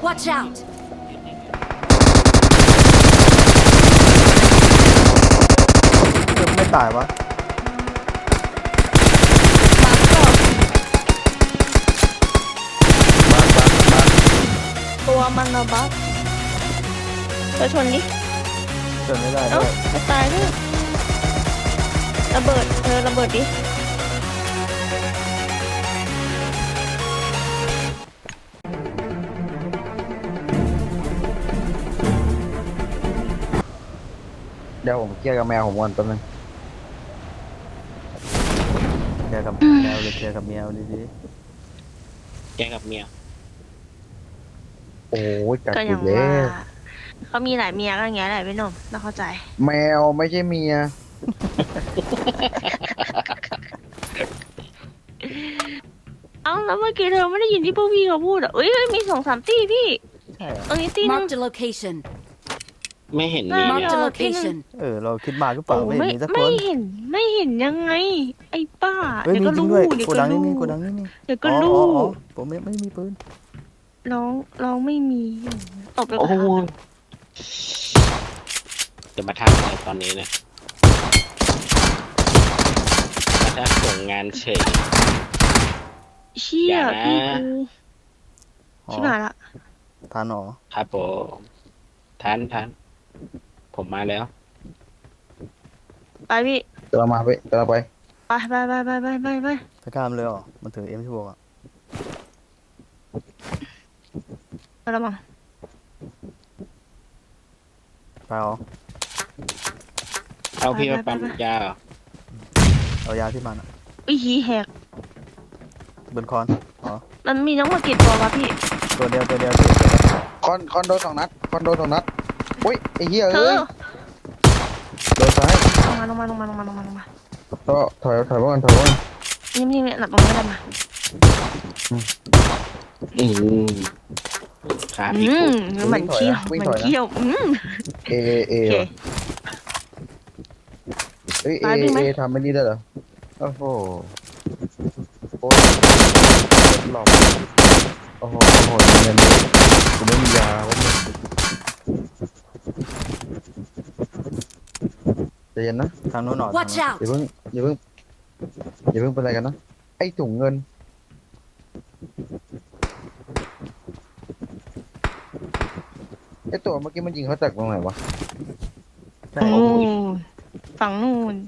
Watch out! ไม่ตายวะตัวมันระบักเธอชนดิเกิดไม่ได้เอ้าด้วยไม่ตายด้วยระเบิดเธอระเบิดดิเดี๋ยวผมเคลียร์กับแมวผมก่อนแป๊บนึงแกกับแมวหรือแกกับแมวดีแกกับเมียโอ้ยกัดก็อียังกแล้ว่าว เขามีหลายเมียก็อย่างเงี้ยแหละพี่หนุ่มเราเข้าใจแมวไม่ใช่เมียเอ้าแล้วเมื่อกี้เธอไม่ได้ยินที่พวกพี่เขาพูดอ่ะเอ้ยมี2-3ตีพี่ๆใช่เหรอตรงนี้ตีหนึง Marked a location. ไม่เห็นมีไม่เนี่ย Marked a Mark location. เราคิดมากหรือเปล่าโอ้ไม่เห็นมีสักคไม่นเห็นไม่เห็นยังไง ไอ้ป้าเฮ้ยเดี๋ยวมีก็จริงรู้ด้วยเดี๋ยวโกก็ดังนี่รู้มีโกดังนี่มีเดี๋ยวก็อ๋อรู้อ๋อผมไม่มีปืนร้องไม่มีตบเลยโอ้โหค่ะจะมาทำอะไรตอนนี้เนี่ยมาทักส่งงานเฉยเชี่ยอย่านะพี่กูอ๋อชิบหายละทานหรอครับผมทันผมมาแล้วไปพี่ตัวมาไปตัวไปไปไปกล้ามเลยเหรอมันถือM16อ่ะไปแล้วมั้งไปเหรอเอาพี่มาปั๊มยาเหรอเอายาที่มันอะอุ้ยหีแหกบนคอนอ๋อมันมีน้องมากี่ตัววะพี่ตัวเดียวตัวเดียวคอนโด2 นัดคอนโด2 นัดอุ้ยไอ้เหี้ยเธเอ้อยโดนซ้ายลงมาก็ถอยมาก่อนถอยมาก่อนนี่หลับตรงนี้ได้มาอืมขาพี่กูเหมือนเคี้ยวเอเอโอเคว่ะเอ้ยตายวิ่งไหมเอทำไม่นี่ได้เหรอโอ้โหโอ้ยหลอกโอ้โหเงินเลยกูไม่มียาวะใจเย็นนะทางโน้นหนอ Watch out! อย่าเพิ่งเป็นอะไรกันนะไอ้ถุงเงินไอ้ตัวเมื่อกี้มันยิงเขาจากตรงไหนวะใช่ฝั่งนู่น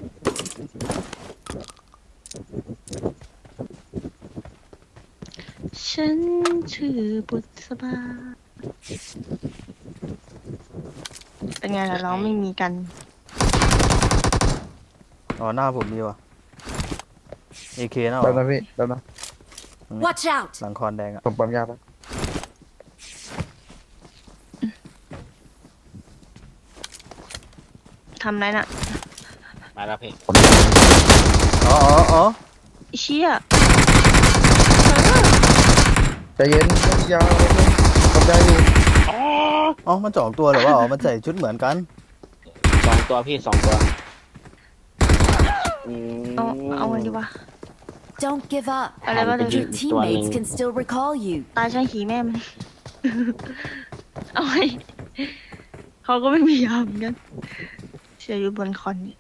ฉันชื่อบุษบาเป็นไงล่ะเราไม่มีกันอ๋อหน้าผมมีว่ะ AK นะเหรแป๊บอนะพี่แป๊บนะ Watch out! หลังคอนแดงอ่ะผมปั๊มยาแป๊บทำไรน่ะมาแล้วพี่อ๋อเชี่ยใจเย็นไม่มียาปั๊มยาอยู่อ๋อมันจ่องตัวหรือว่าอ๋อมันใส่ชุดเหมือนกัน 2 ตัวพี่2 ตัวอืมเอาไงดีวะ Don't give up. อะไรวะหันไปเดี๋ยวยิ Your งตัวหนึ่ง teammates can still recall you. ตายใช่หีแม่มัน เอาไงเขาก็ไม่มียาเหมือนกันเสียอยู่บนคอนนี่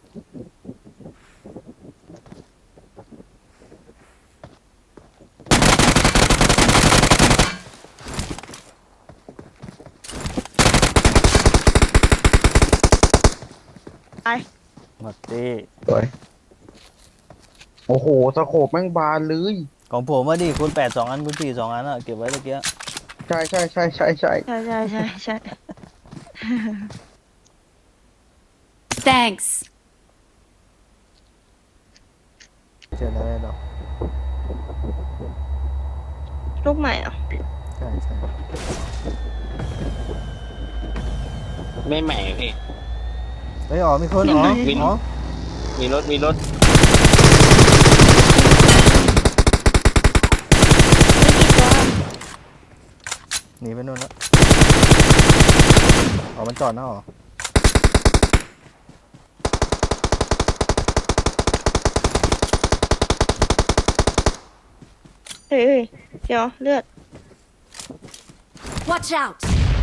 ไปหมดตีสวยโอ้โหสโคปแม่งบานเลยของผมว่าดิคุณ8 2 อันคุณ4 2 อันอ่ะเก็บไว้ตะเกียใช่ใช่ Thanks. เจอแล้วดอกลูกใหม่เหรอใช่ไม่ใหม่พี่เฮ้ยอ๋อมีคนอ๋อวิ่งอ๋อมีรถไม่กี่ตัวหนีไปนู่นแล้วอ๋อมันจอดนะอ๋อเฮ้ยเดี๋ยวเลือด Watch out!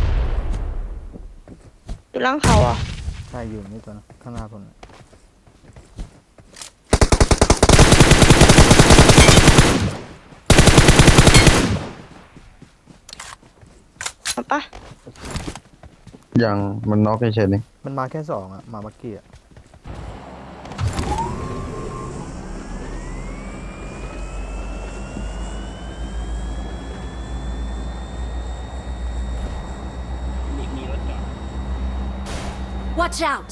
อยู่ล่างเขาอ่ะใช่อยู่นี่ตัวนะข้างหน้าผมน่ะมาปะยังมันน็อกเฉยๆนี่มันมาแค่สองอะมาเมื่อกี้อะมีรถจอด Watch out!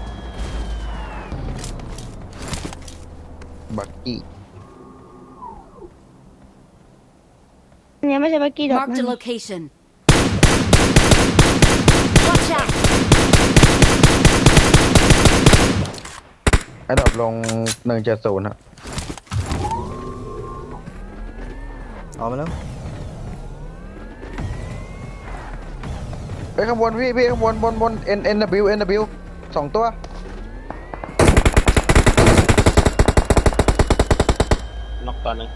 บักกี้อันนี้ไม่ใช่บักกี้ดอก Marked นะ a location. Watch out! ไอ้ดรอปลง170ฮะเอามาแล้วเฮ้ยข้างบนพี่ข้างบน NW 2 ตัวนอกตอนนึง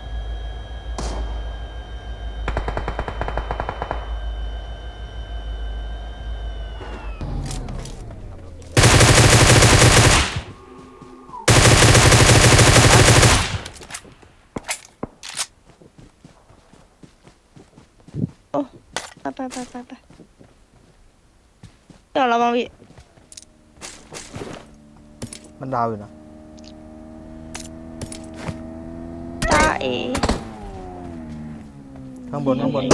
ไปเดี๋ยวเรามาวิมันดาวอยู่นะจ้าเอข้างบน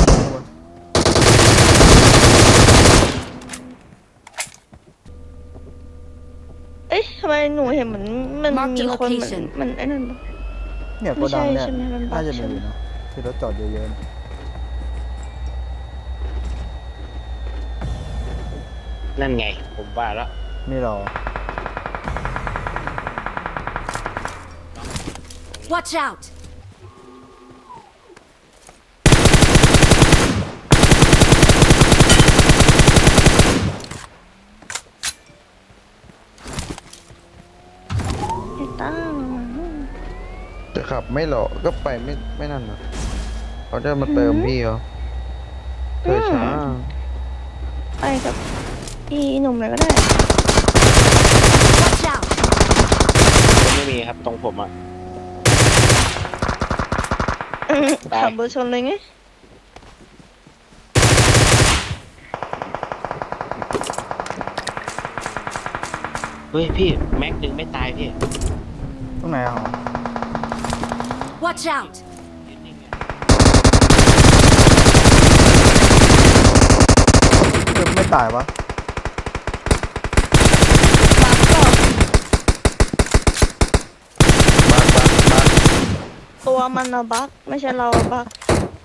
เอ้ยทำไมหนูเห็นเหมือนมัน Mark the มีคนเหมือน location มันไอ้นั่นปะเนี่ยโกไม่ดัใช่งเนี่ยใช่ไหมมันบักน่าจะมีใช่ไหมอยู่นะที่รถจอดเยอะๆนะนั่นไง ผมว่าแล้วนี่หรอ Watch out! ไอ้ตั้งจะขับไม่หรอกก็ไปไม่นั่นนะเขาจะมาเติมพี่เขาเธอช้าไปกับพี่หนุ่มเลยก็ได้ Watch out! ไม่มีครับตรงผมอ่ะ ได้ขับเบอร์ชนเลยไงเฮ้ยพี่ แม็กดึงไม่ตายพี่ตรงไหนอ่ะ Watch out! เกือบไม่ตายวะบักก็บักตัวมันอะบักไม่ใช่เราอะบัก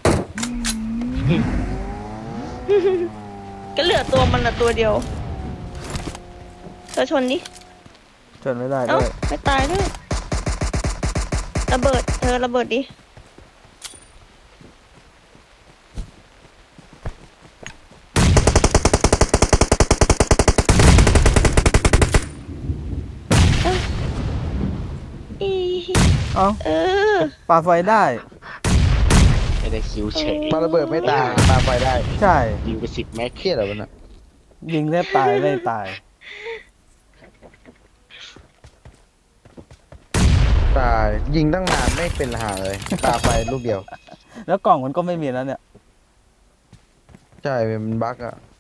ก็เหลือตัวมันอะตัวเดียวเธอชนดิชนไม่ได้เอ้าด้วยไม่ตายด้วยระเบิดเธอระเบิดดิเอ้าอีเอ้าเออปาไฟได้ไม่ได้คิวเฉยปาระเบิดไม่ตายปาไฟได้ใช่ยิงไป10 แม็กเครียดเหรอวะเนี่ยยิงแทบตายไม่ตายตายยิงตั้งนานไม่เป็นหาเลยปาไฟลูกเดียวแล้วกล่องมันก็ไม่มีแล้วเนี่ยใช่มันบั๊กอ่ะ